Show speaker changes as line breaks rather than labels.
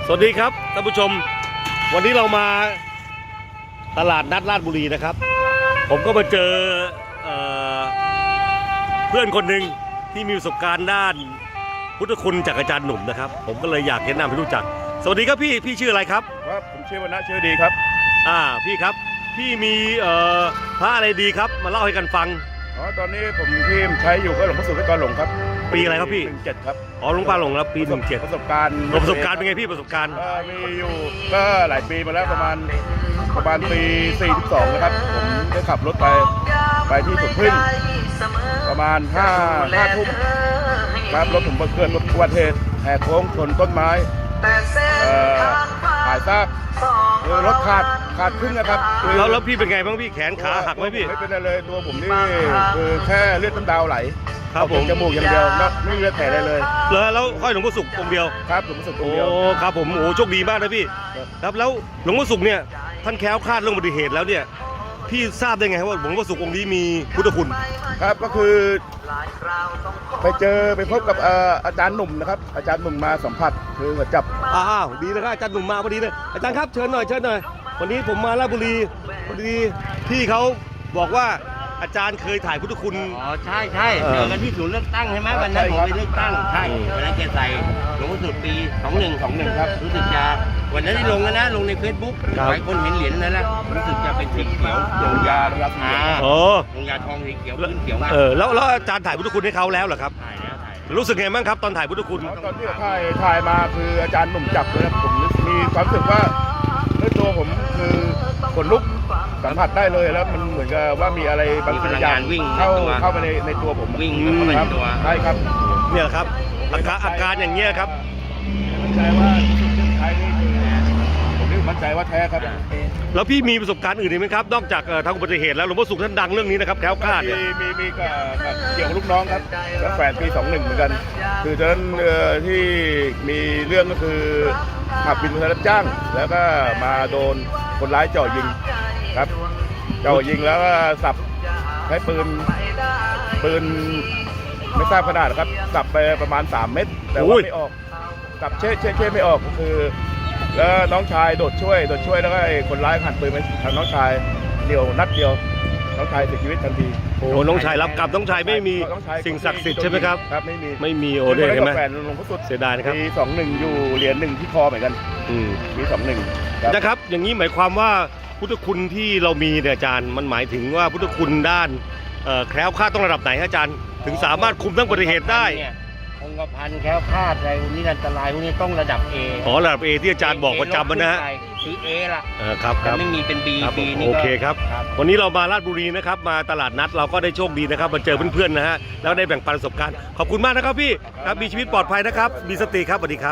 สวัสดีครับท่านผู้ชมวันนี้เรามาตลาดนัดราชบุรีนะครับผมก็มาเจอเพื่อนคนหนึ่งที่มีประสบการณ์ด้านพุทธคุณจากอาจารย์หนุ่มนะครับผมก็เลยอยากแนะนำให้รู้จักสวัสดีครับพี่ชื่ออะไรครับ
ครับผมชื่อวรรณะชื่อดีครับ
พี่ครับพี่มีพระอะไรดีครับมาเล่าให้กันฟัง
ตอนนี้ผมที่ใช้อยู่ก็หลวงพ่อสุทธิกรหลงครับ
ปีอะไรครับพี่
17ครับ
หลวงพ่อหลงแล้วปี17
ประสบการณ์
เป็นไงพี่ประสบการณ์
มีอยู่ก็หลายปีมาแล้วประมาณปี42นะครับผมได้ขับรถไปที่สุดพึ่งประมาณ5 ทุ่มครับรถผมเกิดอุบัติเหตุแหกโค้งชนต้นไม้หายซากรถขาดครึ่งนะครับ
แล้วพี่เป็นไงบ้างพี่แขนขาหักไหมพี่
ไม่เป็นอะไรเลยตัวผมนี่คือแค่เลือดน้ำดาวไหล
ครับผม
จมูกอย่างเดียวไม่มีเลือดแผลอะไรเลย
แล้วห้อยหลวงพ่อสุของค์เดียว
ครับหลวงพ่อสุของค์เดียว
ครับผมโชคดีมากนะพี่ครับแล้วหลวงพ่อสุขเนี่ยท่านแคล้วคลาดเรื่องอุบัติเหตุแล้วเนี่ยพี่ทราบได้ไงว่าหลวงพ่อสุของค์นี้มีพุทธคุณ
ครับก็คือไปพบกับอาจารย์หนุ่มนะครับอาจารย์หนุ่มมาสัมผัสคือจับ
ดีนะครับอาจารย์หนุ่มมาพอดีเลยอาจารย์ครับเชิญหน่อยวันนี้ผมมาราชบุรีพอดีพี่เขาบอกว่าอาจารย์เคยถ่ายพุทธคุณ
ใช่เจอกันที่ศูนย์เลือกตั้งใช่ไหมวันนั้นผมไปเลือกตั้งใช่วันนั้นแกใส่หลวงพ่อสุดปี21ครับรู้สึกจะวันนั้นที่ลงนะลงใน Facebook หลายคนเห็นเหรียญนั่นแหละรู้สึกจะเป็นสีเขียวลงยาลงยาทองสีเขียวพื้นเขียวมาก
แล้วอาจารย์ถ่ายพุทธคุณให้เขาแล้วเหรอครับถ่ายรู้สึกไงบ้างครับตอนถ่ายพุทธคุณ
ตอนที่ถ่ายมาคืออาจารย์หนุ่มจับเลยผมมีความรู้สึกว่าด้วยตัวผมคือขนลุกสัมผัสได้เลยแล้วมันเหมือนกับว่ามีอะไรบางอย่าง
วิ่ง
เข้าไปในตัวผม
วิ่งเข้าไปในตัว
ใช่ครับ
เนี่ยแหละครับอาการอย่างเงี้ยครับ
มั่นใจว่าใช้นี่ผมนี่มั่นใจว่าแท้ครับ
แล้วพี่มีประสบการณ์อื่นไหมครับนอกจากทางอุบัติเหตุแล้วหลวงพ่อสุขท่านดังเรื่องนี้นะครับแคล้วคลาดเนี่ย
มีเกี่ยวกับลูกน้องครับแล้วแฝดปี21เหมือนกันคือตอนนั้นที่มีเรื่องก็คือขับบินรับจ้างแล้วก็มาโดนคนร้ายจ่อยิงครับจ่อยิงแล้วก็สับใช้ปืนไม่ทราบขนาดครับสับไปประมาณ3 เม็ดแต่ว่าไม่ออกสับเช่ไม่ออกก็คือแล้วน้องชายโดดช่วยแล้วก็คนร้ายหันปืนไปทางน้องชายเดียวนัดเดียวน้องชายเสียชีวิตทันที
น้องชายรับกรรมน้องชายไม่มีสิ่งศักดิ์สิทธิ์ใช่ไหมครับ
ครับ
ไม่มีเนี่ยเห็นไหม
หลวงพ่อสุด
เสียดายนะครับ
มี21อยู่เหรียญ1ที่คอเหมือนกันมี21
นะครับอย่างนี้หมายความว่าพุทธคุณที่เรามีเนี่ยอาจารย์มันหมายถึงว่าพุทธคุณด้านแคล้วคลาดต้องระดับไหนอาจารย์ถึงสามารถคุมทั้งอุบัติเหตุได้
องค์พันแคล้วคลาดอะไรพวกนี้อันตรายพวกนี้ต้องระดับ A
ระดับ A ที่อาจารย์บอกประจำนะฮะ
คือ A ล่ะ
ครับ
ไม่มีเป็น B
นี่โอเคครับวันนี้เรามาราชบุรีนะครับมาตลาดนัดเราก็ได้โชคดีนะครับมาเจอเพื่อนๆนะฮะแล้วได้แบ่งปันประสบการณ์ขอบคุณมากนะครับพี่ครับมีชีวิตปลอดภัยนะครับมีสติครับสวัสดีครับ